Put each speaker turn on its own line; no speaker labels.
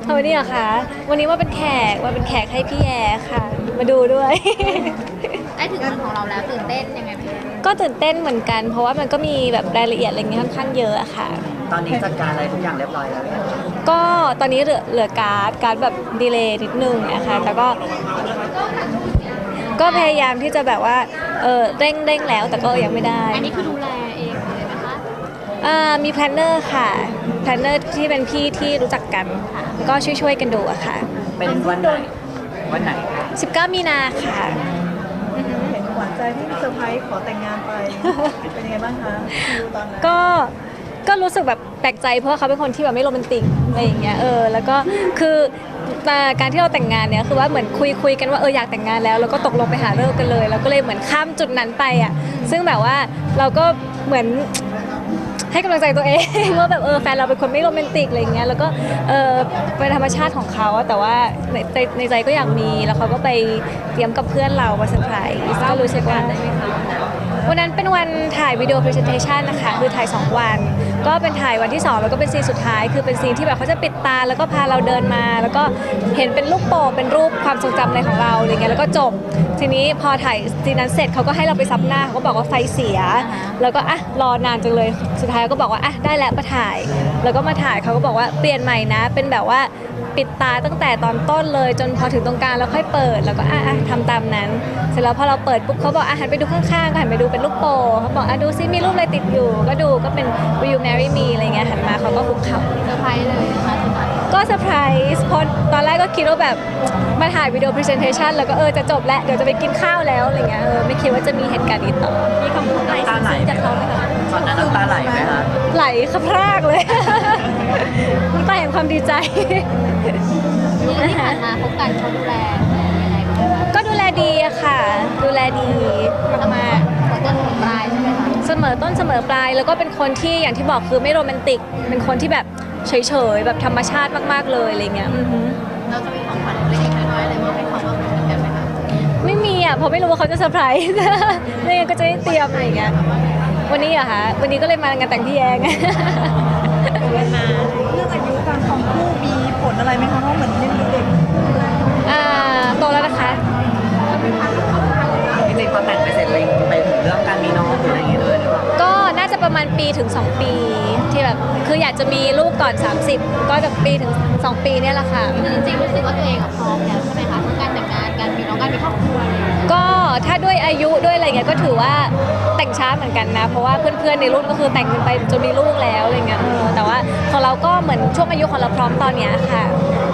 วันนี้เหรอคะวันนี้มาเป็นแขกให้พี่แอร์ค่ะมาดูด้วย
ได้ถึงวันของเราแล้วตื่นเต้นยังไงบ้าง
ก็ตื่นเต้นเหมือนกัน เพราะว่ามันก็มีแบบรายละเอียดอะไรเงี้ยค่อนข้างเยอะอะค่ะ
ตอนนี้จัดการอะไรทุกอย่างเรียบร้อยแล้วเนี่ย
ก็ตอนนี้เหลือการ์ดแบบดีเลย์นิดนึงนะคะแต่ก็พยายามที่จะแบบว่าเร่งแล้วแต่ก็ยังไม่ได้
อันนี้คือดูแลเองเลยนะคะ
มีแพลนเนอร์ค่ะแพลนเนอร์ที่เป็นพี่ที่รู้จักกันก็ช่วยกันดูอะค่ะ
เป็นวันไหนคะ
19 มีนาค่ะ
เห็นหวานใจที่เซอร์ไพรส์ขอแต่งงานไป เป็นยังไงบ้างคะดูตอนนั้น
ก็รู้สึกแบบแปลกใจเพราะว่าเขาเป็นคนที่แบบไม่โรแมนติกอะไรอย่างเงี้ยแล้วก็คือการที่เราแต่งงานเนี่ยคือว่าเหมือนคุยกันว่าอยากแต่งงานแล้วก็ตกลงไปหาฤกษ์กันเลยแล้วก็เลยเหมือนข้ามจุดนั้นไปอ่ะซึ่งแบบว่าเราก็เหมือนให้กำลังใจตัวเอง ว่าแบบแฟนเราเป็นคนไม่โรแมนติกอะไรอย่างเงี้ยแล้วก็เป็นธรรมชาติของเขาแต่ว่าในใจก็อยากมีแล้วเขาก็ไปเตรียมกับเพื่อนเรามาเซอร์ไพรส์ก็รู้สึกว่าวันนั้นเป็นวันถ่ายวิดีโอพรีเซนเทชันนะคะคือถ่าย2 วันก็เป็นถ่ายวันที่2แล้วก็เป็นซีนสุดท้ายคือเป็นซีนที่แบบเขาจะปิดตาแล้วก็พาเราเดินมาแล้วก็เห็นเป็นลูกโป่งเป็นรูปความทรงจำอะไรของเราอะไรเงี้ยแล้วก็จบทีนี้พอถ่ายซีนนั้นเสร็จเขาก็ให้เราไปซับหน้าเขาก็บอกว่าไฟเสียแล้วก็รอนานจังเลยสุดท้ายก็บอกว่าได้แล้วมาถ่ายแล้วก็มาถ่ายเขาก็บอกว่าเปลี่ยนใหม่นะเป็นแบบว่าปิดตาตั้งแต่ตอนต้นเลยจนพอถึงตรงกลางแล้วค่อยเปิดแล้วก็ทำตามนั้นเสร็จแล้วพอเราเปิดปุ๊บเขาบอกหันไปดูข้างๆก็หันไปดูเป็นลูกโป่งเขาบอกดูซิมีรูปอะไรติดอยู่ก็ดูก็เป็น Will you marry me อะไรเงี้ยหันมาเขาก็คุกเข่า
เซอร์ไพรส์เลยนะคะสมัย
ก็เซอร์ไพรส์เพราะตอนแรกก็คิดว่าแบบมาถ่ายวิดีโอพรีเซนเทชันแล้วก็จะจบแล้วเดี๋ยวจะไปกินข้าวแล้วอะไรเงี้ยไม่คิดว่าจะมีเหตุการณ์นี้ต่อมีคำพูดอะไร
น้ำตาไหล
จากเขาไหมคะ
ตอนนั้นน้ำตาไหลไหมคะ
ไหลขับพรากเลย น้ำตาแห่งความดีใจ
ที่ผ่านมาพบกันเขาดูแลยังไงบ้างคะ
ก็ดูแลดีอะค่ะ ดูแลดีมาก
ต้นปลายใช่ไหมคะ
ๆเสมอต้นเสมอปลายแล้วก็เป็นคนที่อย่างที่บอกคือไม่โรแมนติกเป็นคนที่แบบเฉยๆแบบธรรมชาติมากๆเลยอะไรเงี้ย
เราจะมีของขวัญเล็กๆน้อยๆอะไรมาให้เขาบ้างเหมือนกันไหมคะ
ไม่มีอ่ะเพราะไม่รู้ว่าเขาจะเซอร์ไพรส์ ไม่งั้นก็จะได้เตรียมอะไรอย่างเงี้ยวันนี้เหรอคะวันนี้ก็เลยมางานแต่งพี่แยง
เรื่องอายุการครองคู่มีผลอะไรไหมคะเพราะเหมือนยังเด็ก
โตแล้วนะคะ
จริงๆพอแต่งไปเสร็จเลยไปถึงเรื่องการมีน้องหรืออะไรอย่างเงี้ยเลยหรือเปล่า
ก็น่าจะประมาณปีถึง 2 ปีที่แบบคืออยากจะมีลูกก่อน 30 ก็จะปีถึง 2 ปีเนี่ยแหละค่ะ
คือจริงๆรู้สึกว่าตัวเองพร้อมแล้วใช่ไหมคะทั้งการแต่งงานการมีน้องการมีครอบครัวอะไรอย่างเงี้ย
ก็ถ้าด้วยอายุด้วยอะไรเงี้ยก็ถือว่าแต่งช้าเหมือนกันนะ เพราะว่าเพื่อนๆในรุ่นก็คือแต่งกันไปจนมีลูกแล้วอะไรเงี้ยแต่ว่าของเราก็เหมือนช่วงอายุของเราพร้อมตอนเนี้ยค่ะ